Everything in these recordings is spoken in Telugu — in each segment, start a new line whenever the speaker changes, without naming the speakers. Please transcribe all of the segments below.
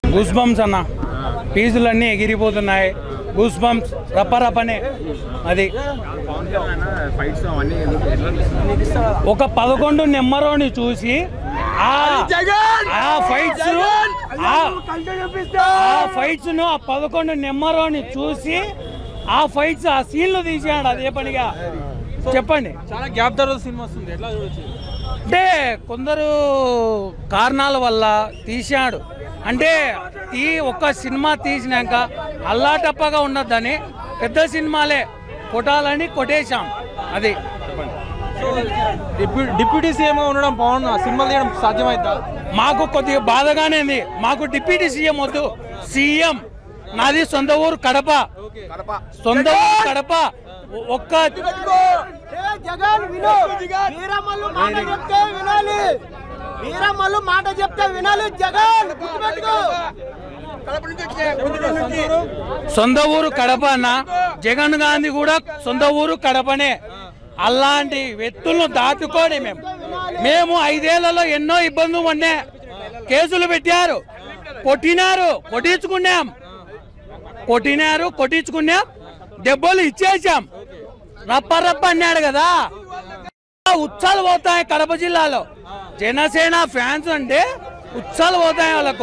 గూస్ బంప్స్ అన్న, ఫీజులన్నీ ఎగిరిపోతున్నాయి. Goose bumps రప్పరప్పనే. అది ఒక 11 నెంబరోని చూసి ఆ ఫైట్స్ ను, ఆ 11 నెంబరోని చూసి ఆ ఫైట్స్, ఆ సీన్లు తీసాడు. అదే పనిగా చెప్పండి.
చాలా గ్యాప్ తర్వాత సినిమా వస్తుంది, ఎట్లా చూడొచ్చు?
అంటే కొందరు కారణాల వల్ల తీశాడు. అంటే ఈ ఒక్క సినిమా తీసినాక అల్లాటప్పగా ఉండద్దని పెద్ద సినిమాలే కొట్టాలని కొట్టేశాం. అది
డిప్యూటీ సీఎంగా ఉండడం పవన్ సినిమాలు తీయడం సాధ్యమైందా?
మాకు కొద్దిగా బాధగానే ఉంది. మాకు డిప్యూటీ సీఎం వద్దు, సీఎం. నాది సొంత ఊరు కడప, సొంత ఊరు కడప. ఒక్క
జగన్ విను, వీరమల్లు మాట చెప్తే వినాలి, వీరమల్లు మాట చెప్తే వినాలి. జగన్ గుర్తుపెట్టుకో.
సొంత ఊరు కడప అన్న. జగన్ గాంధీ కూడా సొంత ఊరు కడపనే. అలాంటి వ్యక్తులను దాటుకొని మేము 5 ఏళ్లలో ఎన్నో ఇబ్బందులు పడినా, కేసులు పెట్టారు, కొట్టించుకున్నాం, దెబ్బలు ఇచ్చేసాం. రప్ప అన్నాడు కదా. ఉత్సాలు పోతాయి కడప జిల్లాలో. జనసేన ఫ్యాన్స్ అంటే ఉత్సాలు పోతాయి వాళ్ళకు.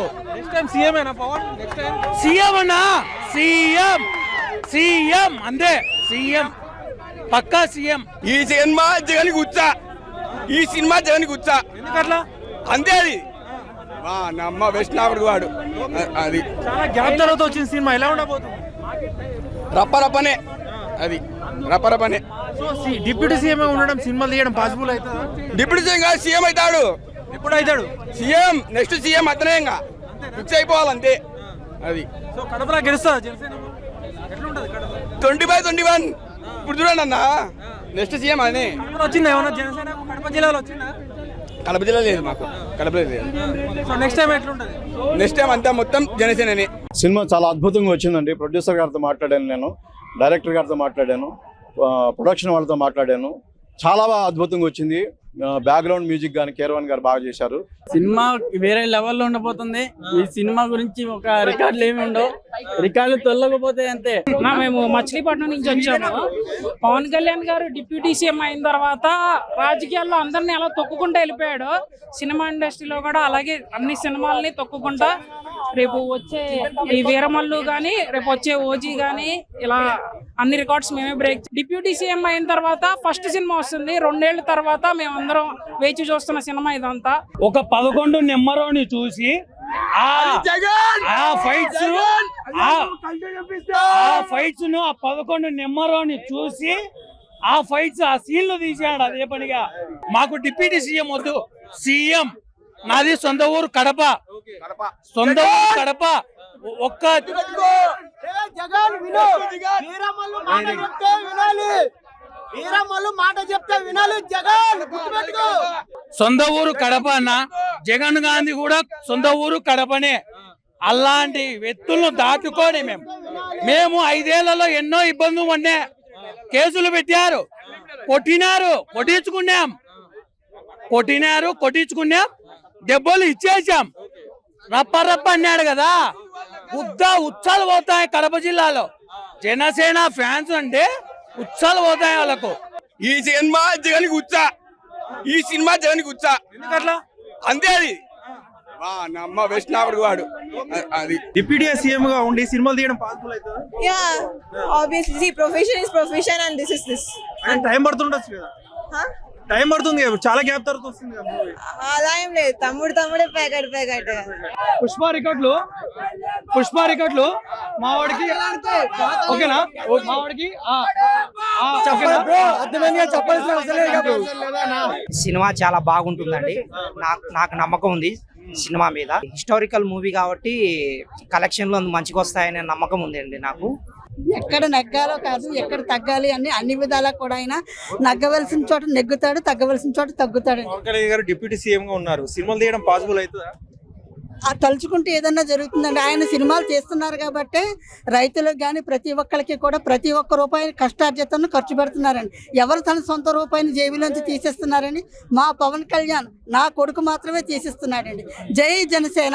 సీఎం అన్నా, సీఎం అంతే, సీఎం పక్కా సీఎం.
ఈ సినిమా జగన్ గుచ్చా, ఈ సినిమా జగన్ గుచ్చా.
ఎందుకట్లా?
అంతే. అది నమ్మ వెస్ట్నాపుడు వాడు. అది
చాలా గ్యాప్ తర్వాత వచ్చిన సినిమా ఎలా ఉండబోతుంది?
రప్పరప్పనే. అది రప్పరప్పనే.
సో డిప్యూటీ సీఎం ఉండడం సినిమాలు తీయడం పాసిబుల్ అవుతుందా?
డిప్యూటీ సీఎం కాదు, సీఎం అవుతాడు.
ఎప్పుడు అవుతాడు?
సీఎం నెక్స్ట్ సీఎం అతనే ఇంకా ఫిక్స్ అయిపోవాలంతే. అది
సో కడపలో గెలుస్తుందా జనసేన? ఎట్లుంటది కడప?
20/21. ఇప్పుడు చూడండి అన్న, నెక్స్ట్ సీఎం అని
వచ్చిందా ఏమన్నా జనసేన కడప జిల్లాలో వచ్చిందా?
కడప జిల్లా లేదు, మాకు కడపలో లేదు.
సో నెక్స్ట్ టైం ఎట్లుంటది?
నెక్స్ట్ టైం అంతా మొత్తం జనసేనని.
సినిమా చాలా అద్భుతంగా వచ్చిందండి. ప్రొడ్యూసర్ గారితో మాట్లాడాను, నేను డైరెక్టర్ గారితో మాట్లాడాను, ప్రొడక్షన్ వాళ్ళతో మాట్లాడాను. చాలా బాగా అద్భుతంగా వచ్చింది. బ్యాక్గ్రౌండ్ మ్యూజిక్ కానీ కేరవాన్ గారు బాగా చేశారు.
సినిమా వేరే లెవెల్లో ఉండబోతుంది. ఈ సినిమా గురించి ఒక రికార్డులు ఏమి ఉండవు, రికార్డులు తొలగపోతే అంతే.
మేము మచిలీపట్నం నుంచి వచ్చాము. పవన్ కళ్యాణ్ గారు డిప్యూటీ సీఎం అయిన తర్వాత రాజకీయాల్లో అందరినీ ఎలా తొక్కుకుంటూ వెళ్ళిపోయాడు, సినిమా ఇండస్ట్రీలో కూడా అలాగే అన్ని సినిమాలని తొక్కుకుంటా రేపు వచ్చే ఈ వీరమల్లు కానీ రేపు వచ్చే ఓజీ కానీ ఇలా అన్ని రికార్డ్స్ మేమే బ్రేక్. డిప్యూటీ సీఎం అయిన తర్వాత ఫస్ట్ సినిమా వస్తుంది. 2 ఏళ్ల తర్వాత మేమందరం వేచి చూస్తున్న సినిమా ఇదంతా.
ఒక 11 నెంబరోని చూసి ఆ ఫైట్స్ ను, ఆ 11 నెంబరోని చూసి ఆ ఫైట్స్, ఆ సీన్లు తీసాడు. అదే పనిగా మాకు డిప్యూటీ సీఎం వద్దు, సీఎం. నాది సొంత ఊరు కడప, సొంత ఊరు కడప. ఒక్క
జగన్ విను, వీరమల్లు మాట చెప్తే వినాలి, వీరమల్లు మాట చెప్తే వినాలి. జగన్ గుర్తుపెట్టుకో.
సొంత ఊరు కడప అన్న. జగన్ గాంధీ కూడా సొంత ఊరు కడపనే. అలాంటి వ్యక్తులను దాటుకొని మేము 5 ఏళ్లలో ఎన్నో ఇబ్బందులు పడినా, కేసులు పెట్టారు, కొట్టించుకున్నాం, దెబ్బలు ఇచ్చేసాం. రప్ప అన్నాడు కదా. ఉత్సాలు పోతాయి కడప జిల్లాలో. జనసేన ఫ్యాన్స్ అంటే ఉత్సాలు పోతాయి వాళ్ళకు.
ఈ సినిమా జగన్ గుచ్చా, ఈ సినిమా జగన్ గుచ్చా.
ఎందుకట్లా?
అంతే. అది నమ్మ వెస్ట్నాపుడు వాడు. అది
డిప్యూటీ సీఎం గా ఉండి సినిమాలు తీయడం పాసిబుల్ అవుతుందా?
Yeah, obviously profession is profession and this is this.
And time పడుతుండొచ్చు కదా? టైం పడుతుంది కదా, చాలా గ్యాప్ తర్వాత వస్తుంది కదా మూవీ.
అలా ఏం లేదు, తమ్ముడే ప్యాకెట్
పుష్ప రికార్డులు మావాడికి ఓకేనా? మావాడికి
సినిమా చాలా బాగుంటుందండి. నాకు నమ్మకం ఉంది సినిమా మీద. హిస్టారికల్ మూవీ కాబట్టి కలెక్షన్లు మంచిగా వస్తాయనే నమ్మకం ఉంది అండి నాకు.
ఎక్కడ నెగ్గాలో కాదు, ఎక్కడ తగ్గాలి అని అన్ని విధాలా కూడా ఆయన నగ్గవలసిన చోట నెగ్గుతాడు, తగ్గవలసిన చోట తగ్గుతాడు.
పవన్ కళ్యాణ్ గారు డిప్యూటీ సీఎం గా ఉన్నారు, సినిమాలు తీయడం పాసిబుల్ అవుతుందా?
ఆ తలుచుకుంటే ఏదన్నా జరుగుతుందండి. ఆయన సినిమాలు చేస్తున్నారు కాబట్టి రైతులకు కానీ ప్రతి ఒక్కరికి కూడా ప్రతి ఒక్క రూపాయి కష్టార్జితను ఖర్చు పెడుతున్నారండి. ఎవరు తన సొంత రూపాయిని జేబులోంచి తీసేస్తున్నారని మా పవన్ కళ్యాణ్ నా కొడుకు మాత్రమే తీసేస్తున్నాడండి. జై జనసేన,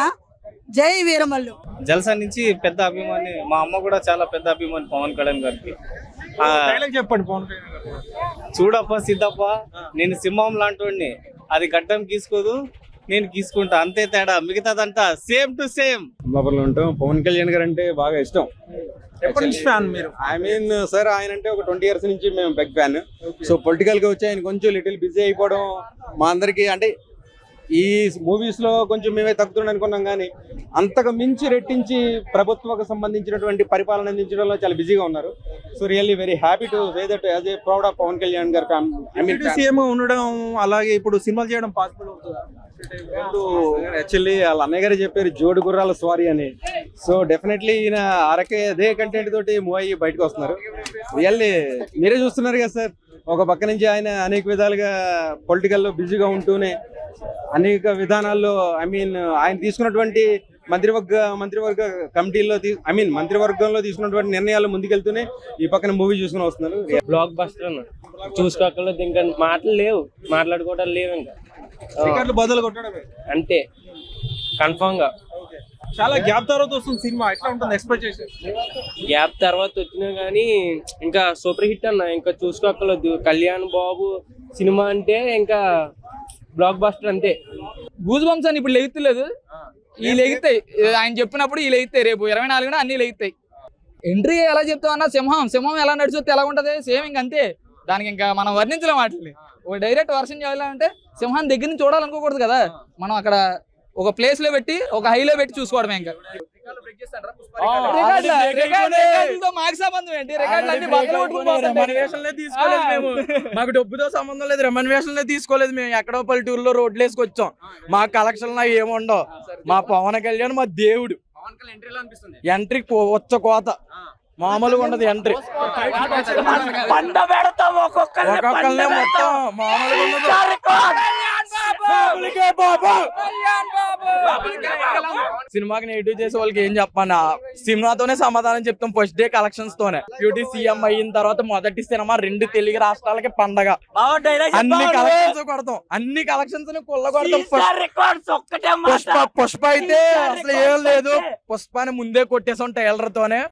జై వీరమల్లు.
జల్సా నుంచి పెద్ద అభిమాని, మా అమ్మ కూడా చాలా పెద్ద అభిమాని పవన్ కళ్యాణ్ గారికి.
డైలాగ్ చెప్పండి పవన్ కళ్యాణ్ గారు.
చూడప్ప సిద్ధప్ప, నేను సింహం లాంటి అది గడ్డం గీసుకోదు, నేను గీసుకుంటా, అంతే తేడా, మిగతాదంతా సేమ్ టు సేమ్.
బాబర్లో ఉంటాం. పవన్ కళ్యాణ్ గారు అంటే బాగా ఇష్టం.
ఎప్పటి నుంచి ఫ్యాన్ మీరు?
ఐ మీన్ సార్, ఆయన అంటే ఒక 20 years నుంచి మేము బిగ్ ఫ్యాన్. సో పొలిటికల్ గా వచ్చి ఆయన కొంచెం లిటిల్ బిజీ అయిపోవడం మా అందరికి, అంటే ఈ మూవీస్ లో కొంచెం మేమే తగ్గుతుండ అనుకున్నాం, కానీ అంతకు మించి రెట్టించి ప్రభుత్వకు సంబంధించినటువంటి పరిపాలన అందించడంలో చాలా బిజీగా ఉన్నారు. So really very happy to say that as a proud of Pawan Kalyan గారు. ఐ మీన్
సీఎం ఉండడం, అలాగే ఇప్పుడు సినిమాలు చేయడం పాసిబుల్ అవుతుందా?
యాక్చువల్లీ వాళ్ళ అన్నయ్య గారు చెప్పారు జోడు గుర్రాల స్వారీ అని. సో డెఫినెట్లీ ఈయన అదే కంటెంట్ తోటి మూవ్ అయ్యి బయటకు వస్తున్నారు. రియల్లీ మీరే చూస్తున్నారు కదా సార్, ఒక పక్క నుంచి ఆయన అనేక విధాలుగా పొలిటికల్లో బిజీగా ఉంటూనే అనేక విధానాల్లో ఐ మీన్ ఆయన తీసుకున్నటువంటి మంత్రివర్గ కమిటీల్లో మంత్రివర్గంలో తీసుకున్నటువంటి నిర్ణయాలు ముందుకెళ్తూనే ఈ పక్కన మూవీ చూసుకుని వస్తున్నారు.
బ్లాక్ బస్టర్ అన్న చూసుకోకలేదు, ఇంకా మాటలు లేవు, మాట్లాడుకోవడం లేవు, ఇంకా
టికెట్లు బదులు కొట్టడమే
అంతే కన్ఫామ్ గా.
చాలా గ్యాప్ తర్వాత వస్తుంది సినిమా, ఎట్లా ఉంటుంది ఎక్స్పెక్టేషన్?
గ్యాప్ తర్వాత వచ్చినా గానీ ఇంకా సూపర్ హిట్ అన్న, ఇంకా చూసుకోకలేదు. కళ్యాణ్ బాబు సినిమా అంటే ఇంకా బ్లాక్ బస్టర్ అంతే.
గూజ్ బంప్స్ అని ఇప్పుడు లెగుతలేదు, ఈ లెగుతాయి. ఆయన చెప్పినప్పుడు ఈ లెగుతాయి, రేపు 24న అన్ని లెగుతాయి. ఎంట్రీ ఎలా చెప్తావు అన్న, సింహం ఎలా నడుచుతే ఎలా ఉంటది, సేమ్ ఇంక అంతే. దానికి ఇంకా మనం వర్ణించలేం వాటిని. ఒక డైరెక్ట్ వర్షన్ చేయాలంటే సింహాన్ని దగ్గర నుంచి చూడాలనుకోకూడదు కదా, మనం అక్కడ ఒక ప్లేస్ లో పెట్టి ఒక హైలో పెట్టి చూసుకోవడమే. ఇంకా మాకు సంబంధం ఏంటి,
మాకు డబ్బుతో సంబంధం లేదు, రెమ్యునరేషన్ తీసుకోలేదు. మేము ఎక్కడో పల్లెటూరులో రోడ్లు వేసుకొచ్చాం, మా కలెక్షన్ ఏముండవు. మా పవన్ కళ్యాణ్ మా దేవుడు. ఎంట్రీ వచ్చ కోత మామూలుగా ఉండదు. ఎంట్రీ ఒక్కొక్కరినే మొత్తం మామూలుగా ఉండదు. సినిమాకి నెగిటివ్ చేసే వాళ్ళకి ఏం చెప్పాను, సినిమాతోనే సమాధానం చెప్తాం. ఫస్ట్ డే కలెక్షన్స్ తోనే బ్యూటీ సీఎం అయిన తర్వాత మొదటి సినిమా 2 తెలుగు రాష్ట్రాలకి పండగ. అన్ని కలెక్షన్స్ కొడతాం, అన్ని కలెక్షన్స్ కొడతాం. పుష్ప అయితే అసలు ఏం లేదు, పుష్పాన్ని ముందే కొట్టేసాం ట్రైలర్ తోనే.